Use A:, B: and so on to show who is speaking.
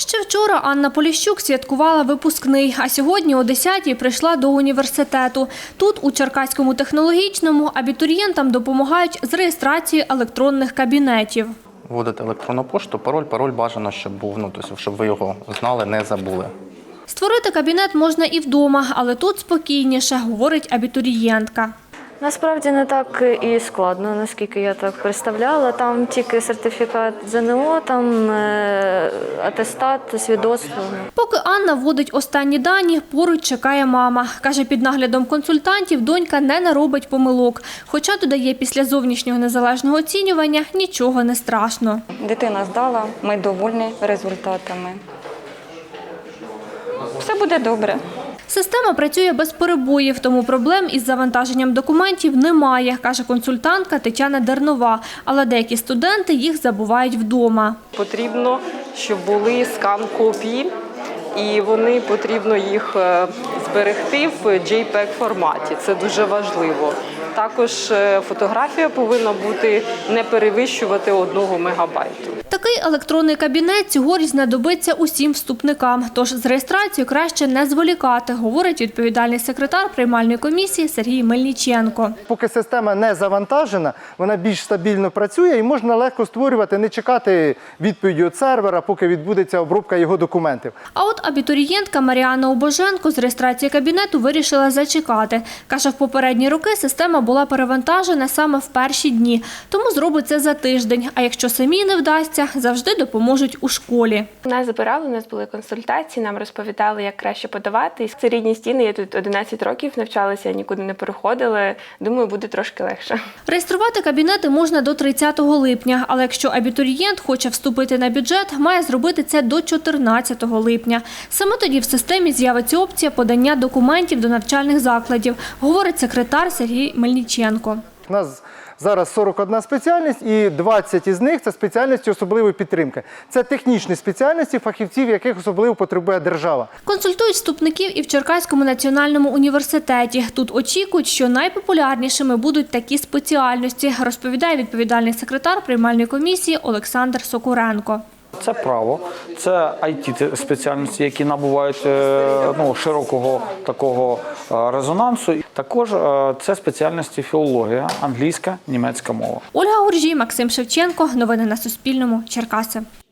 A: Ще вчора Анна Поліщук святкувала випускний, а сьогодні о 10-й прийшла до університету. Тут, у Черкаському технологічному, абітурієнтам допомагають з реєстрацією електронних кабінетів.
B: Вводити електронну пошту, пароль бажано, щоб був, тобто, щоб ви його знали, не забули.
A: Створити кабінет можна і вдома, але тут спокійніше, говорить абітурієнтка.
C: Насправді не так і складно, наскільки я так представляла. Там тільки сертифікат ЗНО, там атестат, свідоцтво.
A: Поки Анна вводить останні дані, поруч чекає мама. Каже, під наглядом консультантів донька не наробить помилок. Хоча, додає, після зовнішнього незалежного оцінювання нічого не страшно.
D: Дитина здала, ми довольні результатами. Все буде добре.
A: Система працює без перебоїв, тому проблем із завантаженням документів немає, каже консультантка Тетяна Дернова. Але деякі студенти їх забувають вдома.
E: Потрібно, щоб були скан-копії, і потрібно їх зберегти в JPEG-форматі. Це дуже важливо. Також фотографія повинна бути не перевищувати 1 мегабайту.
A: Такий електронний кабінет цьогоріч знадобиться усім вступникам. Тож з реєстрацією краще не зволікати, говорить відповідальний секретар приймальної комісії Сергій Мельниченко.
F: Поки система не завантажена, вона більш стабільно працює і можна легко створювати, не чекати відповіді від сервера, поки відбудеться обробка його документів.
A: А от абітурієнтка Маріанна Обоженко з реєстрації кабінету вирішила зачекати. Каже, в попередні роки система була перевантажена саме в перші дні, тому зробить це за тиждень. А якщо самі не вдасться, завжди допоможуть у школі.
G: Нас забирали, у нас були консультації, нам розповідали, як краще подавати. Це рідні стіни, я тут 11 років навчалася, нікуди не переходила. Думаю, буде трошки легше.
A: Реєструвати кабінети можна до 30 липня, але якщо абітурієнт хоче вступити на бюджет, має зробити це до 14 липня. Саме тоді в системі з'явиться опція подання документів до навчальних закладів, говорить секретар Сергій Мельниченко.
F: У нас зараз 41 спеціальність і 20 із них – це спеціальності особливої підтримки. Це технічні спеціальності, фахівців, яких особливо потребує держава.
A: Консультують вступників і в Черкаському національному університеті. Тут очікують, що найпопулярнішими будуть такі спеціальності, розповідає відповідальний секретар приймальної комісії Олександр Сокуренко.
H: Це право, це IT-спеціальності, які набувають широкого такого резонансу. Також це спеціальності філологія, англійська, німецька мова.
A: Ольга Гуржій, Максим Шевченко. Новини на Суспільному. Черкаси.